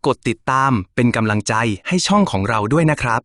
กดติดตามเป็นกำลังใจให้ช่องของเราด้วยนะครับ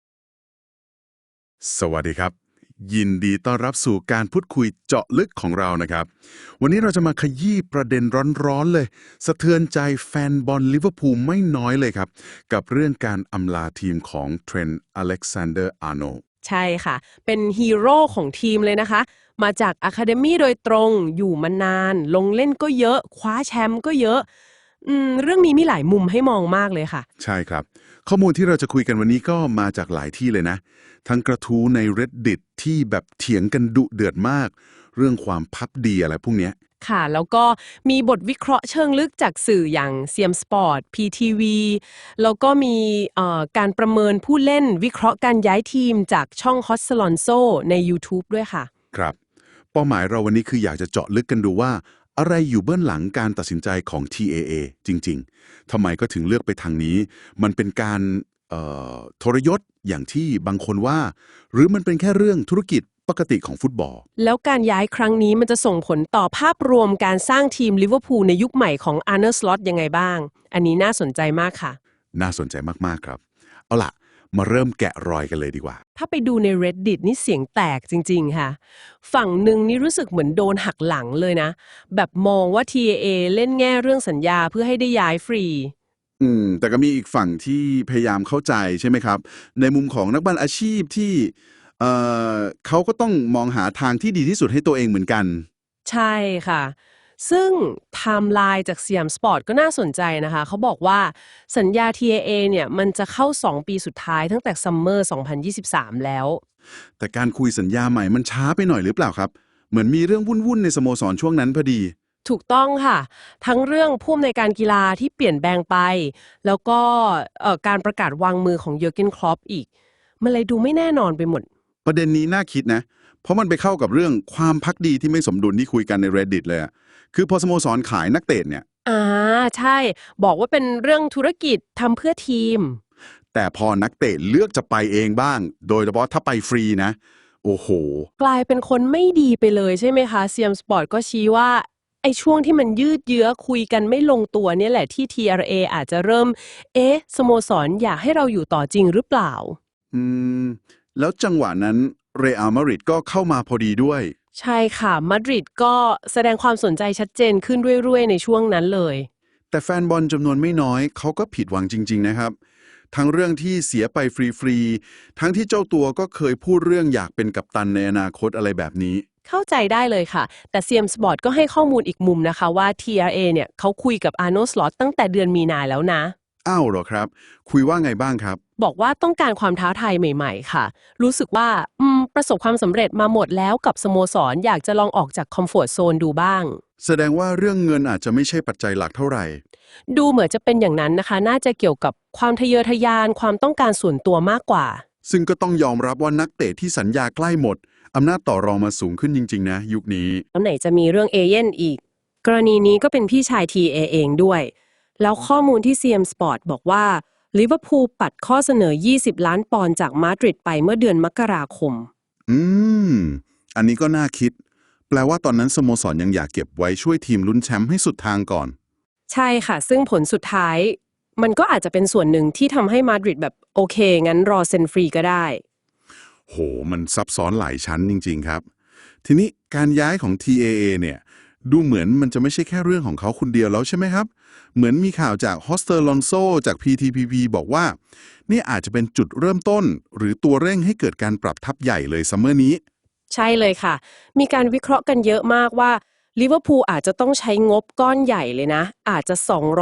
สวัสดีครับยินดีต้อนรับสู่การพูดคุยเจาะลึกของเรานะครับวันนี้เราจะมาขยี้ประเด็นร้อนๆเลยสะเทือนใจแฟนบอลลิเวอร์พูลไม่น้อยเลยครับกับเรื่องการอำลาทีมของเทรนต์อเล็กซานเดอร์อาร์โนลด์ใช่ค่ะเป็นฮีโร่ของทีมเลยนะคะมาจากอะคาเดมี่โดยตรงอยู่มานานลงเล่นก็เยอะคว้าแชมป์ก็เยอะเรื่องนี้มีหลายมุมให้มองมากเลยค่ะใช่ครับข้อมูลที่เราจะคุยกันวันนี้ก็มาจากหลายที่เลยนะทั้งกระทู้ใน Reddit ที่แบบเถียงกันดุเดือดมากเรื่องความพักดีอะไรพวกเนี้ยค่ะแล้วก็มีบทวิเคราะห์เชิงลึกจากสื่ออย่างเซียมสปอร์ต PTV แล้วก็มีการประเมินผู้เล่นวิเคราะห์การย้ายทีมจากช่อง Hot Alonso ใน YouTube ด้วยค่ะครับเป้าหมายเราวันนี้คืออยากจะเจาะลึกกันดูว่าอะไรอยู่เบื้องหลังการตัดสินใจของ TAA จริงๆทำไมก็ถึงเลือกไปทางนี้มันเป็นการทรยศอย่างที่บางคนว่าหรือมันเป็นแค่เรื่องธุรกิจปกติของฟุตบอลแล้วการย้ายครั้งนี้มันจะส่งผลต่อภาพรวมการสร้างทีมลิเวอร์พูลในยุคใหม่ของอาร์เน สล็อตยังไงบ้างอันนี้น่าสนใจมากค่ะน่าสนใจมากๆครับเอาล่ะมาเริ่มแกะรอยกันเลยดีกว่าถ้าไปดูใน Reddit นี่เสียงแตกจริงๆค่ะฝั่งหนึ่งนี่รู้สึกเหมือนโดนหักหลังเลยนะแบบมองว่า TAA เล่นแง่เรื่องสัญญาเพื่อให้ได้ย้ายฟรีแต่ก็มีอีกฝั่งที่พยายามเข้าใจใช่ไหมครับในมุมของนักบอลอาชีพที่เขาก็ต้องมองหาทางที่ดีที่สุดให้ตัวเองเหมือนกันใช่ค่ะซึ่งไทม์ไลน์จากสยามสปอร์ตก็น่าสนใจนะคะเขาบอกว่าสัญญา TAA เนี่ยมันจะเข้า2ปีสุดท้ายตั้งแต่ซัมเมอร์2023แล้วแต่การคุยสัญญาใหม่มันช้าไปหน่อยหรือเปล่าครับเหมือนมีเรื่องวุ่นๆในสโมสรช่วงนั้นพอดีถูกต้องค่ะทั้งเรื่องผู้อำนวยการกีฬาที่เปลี่ยนแปลงไปแล้วก็การประกาศวางมือของเยอร์เกนคล็อปอีกมันเลยดูไม่แน่นอนไปหมดประเด็นนี้น่าคิดนะเพราะมันไปเข้ากับเรื่องความพักดีที่ไม่สมดุลที่คุยกันใน Reddit เลยอะคือพอสโมสรขายนักเตะเนี่ยใช่บอกว่าเป็นเรื่องธุรกิจทำเพื่อทีมแต่พอนักเตะเลือกจะไปเองบ้างโดยเฉพาะถ้าไปฟรีนะโอ้โหกลายเป็นคนไม่ดีไปเลยใช่ไหมคะเซียมสปอร์ตก็ชี้ว่าไอ้ช่วงที่มันยืดเยื้อคุยกันไม่ลงตัวเนี่ยแหละที่ TRA อาจจะเริ่มสโมสรอยากให้เราอยู่ต่อจริงหรือเปล่าอืมแล้วจังหวะนั้นเรอัลมาดริดก็เข้ามาพอดีด้วยใช่ค่ะมาดริดก็แสดงความสนใจชัดเจนขึ้นเรื่อยๆในช่วงนั้นเลยแต่แฟนบอลจำนวนไม่น้อยเขาก็ผิดหวังจริงๆนะครับทั้งเรื่องที่เสียไปฟรีๆทั้งที่เจ้าตัวก็เคยพูดเรื่องอยากเป็นกัปตันในอนาคตอะไรแบบนี้เข้าใจได้เลยค่ะแต่เซียมสปอร์ตก็ให้ข้อมูลอีกมุมนะคะว่า TRA เนี่ยเขาคุยกับอาร์โน สล็อตตั้งแต่เดือนมีนาแล้วนะอ้าวเหรอครับคุยว่าไงบ้างครับบอกว่าต้องการความท้าทายใหม่ๆค่ะรู้สึกว่าประสบความสำเร็จมาหมดแล้วกับสโมสรอยากจะลองออกจากคอมฟอร์ตโซนดูบ้างแสดงว่าเรื่องเงินอาจจะไม่ใช่ปัจจัยหลักเท่าไหร่ดูเหมือนจะเป็นอย่างนั้นนะคะน่าจะเกี่ยวกับความทะเยอทะยานความต้องการส่วนตัวมากกว่าซึ่งก็ต้องยอมรับว่านักเตะที่สัญญาใกล้หมดอำนาจต่อรองมาสูงขึ้นจริงๆนะยุคนี้แล้วไหนจะมีเรื่องเอเย่นอีกกรณีนี้ก็เป็นพี่ชาย TA เองด้วยแล้วข้อมูลที่ CM Sport บอกว่าลิเวอร์พูลปัดข้อเสนอ20ล้านปอนด์จากมาดริดไปเมื่อเดือนมกราคมอืมอันนี้ก็น่าคิดแปลว่าตอนนั้นสโมสรยังอยากเก็บไว้ช่วยทีมลุ้นแชมป์ให้สุดทางก่อนใช่ค่ะซึ่งผลสุดท้ายมันก็อาจจะเป็นส่วนหนึ่งที่ทำให้มาดริดแบบโอเคงั้นรอเซ็นฟรีก็ได้โหมันซับซ้อนหลายชั้นจริงๆครับทีนี้การย้ายของ TAA เนี่ยดูเหมือนมันจะไม่ใช่แค่เรื่องของเขาคนเดียวแล้วใช่ไหมครับเหมือนมีข่าวจากฮอสเตอร์ลอนโซจาก PTPP บอกว่านี่อาจจะเป็นจุดเริ่มต้นหรือตัวเร่งให้เกิดการปรับทัพใหญ่เลยซัมเมอร์นี้ใช่เลยค่ะมีการวิเคราะห์กันเยอะมากว่าลิเวอร์พูลอาจจะต้องใช้งบก้อนใหญ่เลยนะอาจจะ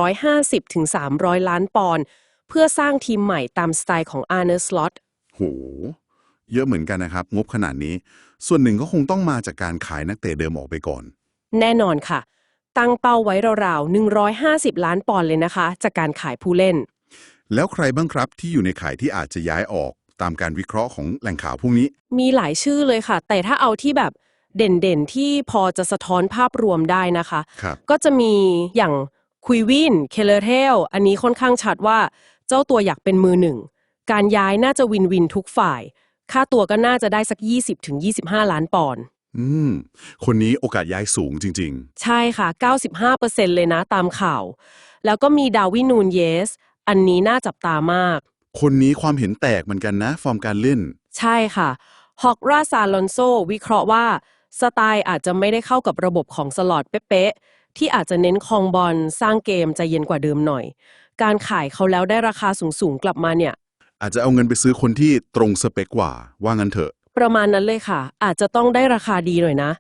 250ถึง300ล้านปอนด์เพื่อสร้างทีมใหม่ตามสไตล์ของอาร์เน สล็อตโหเยอะเหมือนกันนะครับงบขนาดนี้ส่วนหนึ่งก็คงต้องมาจากการขายนักเตะเดิมออกไปก่อนแน่นอนค่ะตั้งเป้าไว้ราวๆ150ล้านปอนด์เลยนะคะจากการขายผู้เล่นแล้วใครบ้างครับที่อยู่ในข่ายที่อาจจะย้ายออกตามการวิเคราะห์ของแหล่งข่าวพวกนี้มีหลายชื่อเลยค่ะแต่ถ้าเอาที่แบบเด่นๆที่พอจะสะท้อนภาพรวมได้นะคะก็จะมีอย่างคุยวินเคเลเทลอันนี้ค่อนข้างชัดว่าเจ้าตัวอยากเป็นมือหนึ่งการย้ายน่าจะวินวินทุกฝ่ายค่าตัวก็น่าจะได้สัก20-25ล้านปอนด์คนนี้โอกาสย้ายสูงจริงๆใช่ค่ะ 95% เลยนะตามข่าวแล้วก็มีดาร์วิน นูนเยสอันนี้น่าจับตามากคนนี้ความเห็นแตกเหมือนกันนะฟอร์มการเล่นใช่ค่ะฮอกราซาลอนโซวิเคราะห์ว่าสไตล์อาจจะไม่ได้เข้ากับระบบของสล็อตเป๊ะๆที่อาจจะเน้นครองบอลสร้างเกมใจเย็นกว่าเดิมหน่อย การขายเขาแล้วได้ราคาสูงๆกลับมาเนี่ยอาจจะเอาเงินไปซื้อคนที่ตรงสเปคกว่าว่างั้นเถอะประมาณนั้นเลยค่ะ อาจจะต้องได้ราคาดีหน่อยนะ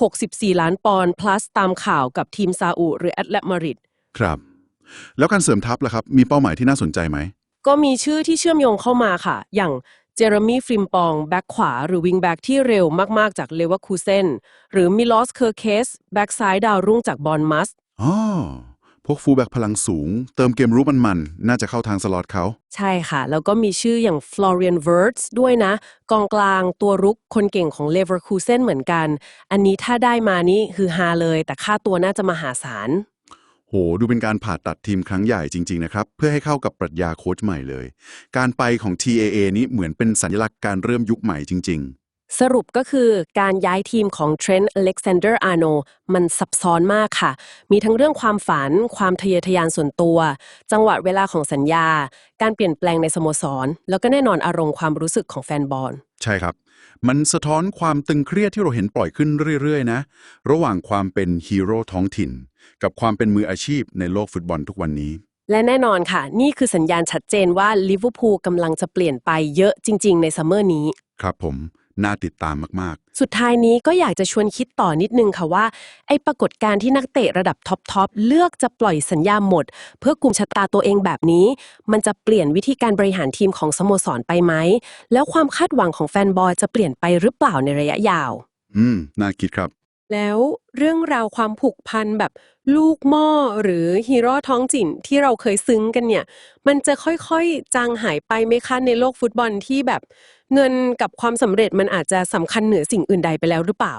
64 ล้านปอนด์ plus ตามข่าวกับทีมซาอุหรือแอตเลติโกมาดริดครับ แล้วการเสริมทัพล่ะครับ มีเป้าหมายที่น่าสนใจไหมก็มีชื่อที่เชื่อมโยงเข้ามาค่ะ อย่างเจอร์มี่ฟริมปองแบ็กขวาหรือวิงแบ็กที่เร็วมากๆจากเลเวอร์คูเซนหรือมิลอสเคอร์เคสแบ็กซ้ายดาวรุ่งจากบอร์นมัสอ๋อ พวกฟูลแบ็กพลังสูง เติมเกมรู้มันๆ น่าจะเข้าทางสล็อตเขาใช่ค่ะ แล้วก็มีชื่ออย่างฟลอเรียนเวิร์ตส์ด้วยนะ กองกลางตัวรุกคนเก่งของเลเวอร์คูเซนเหมือนกัน อันนี้ถ้าได้มานี่คือฮาเลย แต่ค่าตัวน่าจะมหาศาลโห ดูเป็นการผ่าตัดทีมครั้งใหญ่จริงๆนะครับ เพื่อให้เข้ากับปรัชญาโค้ชใหม่เลย การไปของ TAA นี้เหมือนเป็นสัญลักษณ์การเริ่มยุคใหม่จริงสรุปก็คือการย้ายทีมของเทรนต์อเล็กซานเดอร์อาร์โนมันซับซ้อนมากค่ะ มีทั้งเรื่องความฝัน ความทะเยอทะยานส่วนตัว จังหวะเวลาของสัญญา การเปลี่ยนแปลงในสโมสร แล้วก็แน่นอนอารมณ์ความรู้สึกของแฟนบอลๆ ใช่ครับ มันสะท้อนความตึงเครียดที่เราเห็นปล่อยขึ้นเรื่อยๆนะ ระหว่างความเป็นฮีโร่ท้องถิ่น กับความเป็นมืออาชีพในโลกฟุตบอลทุกวันนี้และแน่นอนค่ะ นี่คือสัญญาณชัดเจนว่าลิเวอร์พูลกำลังจะเปลี่ยนไปเยอะจริงๆในซัมเมอร์นี้ครับผม น่าติดตามมากสุดท้ายนี้ก็อยากจะชวนคิดต่อนิดนึงค่ะว่าไอ้ปรากฏการณ์ที่นักเตะระดับท็อปเลือกจะปล่อยสัญญาหมด เพื่อกุมชะตาตัวเองแบบนี้ มันจะเปลี่ยนวิธีการบริหารทีมของสโมสรไปไหม แล้วความคาดหวังของแฟนบอลจะเปลี่ยนไปหรือเปล่าในระยะยาวน่าคิดครับแล้วเรื่องราวความผูกพันแบบลูกหม้อหรือฮีโร่ท้องถิ่นที่เราเคยซึ้งกันเนี่ย มันจะค่อยๆจางหายไปไหมคะในโลกฟุตบอลที่แบบเงินกับความสำเร็จมันอาจจะสำคัญเหนือสิ่งอื่นใดไปแล้วหรือเปล่า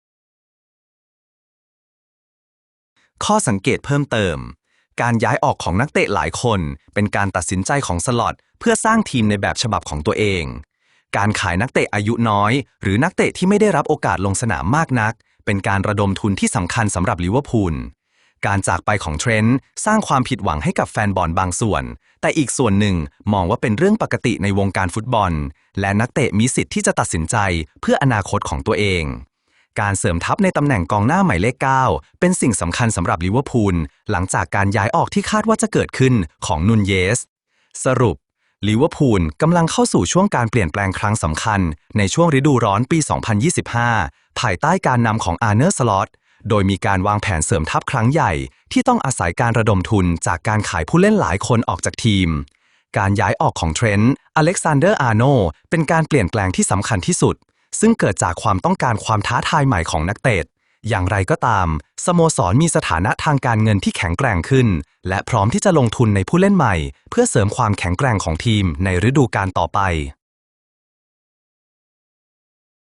ข้อสังเกตเพิ่มเติม การย้ายออกของนักเตะหลายคนเป็นการตัดสินใจของสล็อตเพื่อสร้างทีมในแบบฉบับของตัวเอง การขายนักเตะอายุน้อยหรือนักเตะที่ไม่ได้รับโอกาสลงสนามมากนักเป็นการระดมทุนที่สำคัญสำหรับลิเวอร์พูล การจากไปของเทรนต์สร้างความผิดหวังให้กับแฟนบอลบางส่วน แต่อีกส่วนหนึ่งมองว่าเป็นเรื่องปกติในวงการฟุตบอล และนักเตะมีสิทธิ์ที่จะตัดสินใจเพื่ออนาคตของตัวเอง การเสริมทัพในตำแหน่งกองหน้าหมายเลข 9 เป็นสิ่งสำคัญสำหรับลิเวอร์พูลหลังจากการย้ายออกที่คาดว่าจะเกิดขึ้นของนูนเยส สรุปลิเวอร์พูลกำลังเข้าสู่ช่วงการเปลี่ยนแปลงครั้งสำคัญในช่วงฤดูร้อนปี 2025 ภายใต้การนำของอาร์เนอร์ สล็อตโดยมีการวางแผนเสริมทัพครั้งใหญ่ที่ต้องอาศัยการระดมทุนจากการขายผู้เล่นหลายคนออกจากทีม การย้ายออกของเทรนต์อเล็กซานเดอร์ อาร์โนเป็นการเปลี่ยนแปลงที่สำคัญที่สุดซึ่งเกิดจากความต้องการความท้าทายใหม่ของนักเตะอย่างไรก็ตามสโมสรมีสถานะทางการเงินที่แข็งแกร่งขึ้นและพร้อมที่จะลงทุนในผู้เล่นใหม่เพื่อเสริมความแข็งแกร่งของทีมในฤดูกาลต่อไป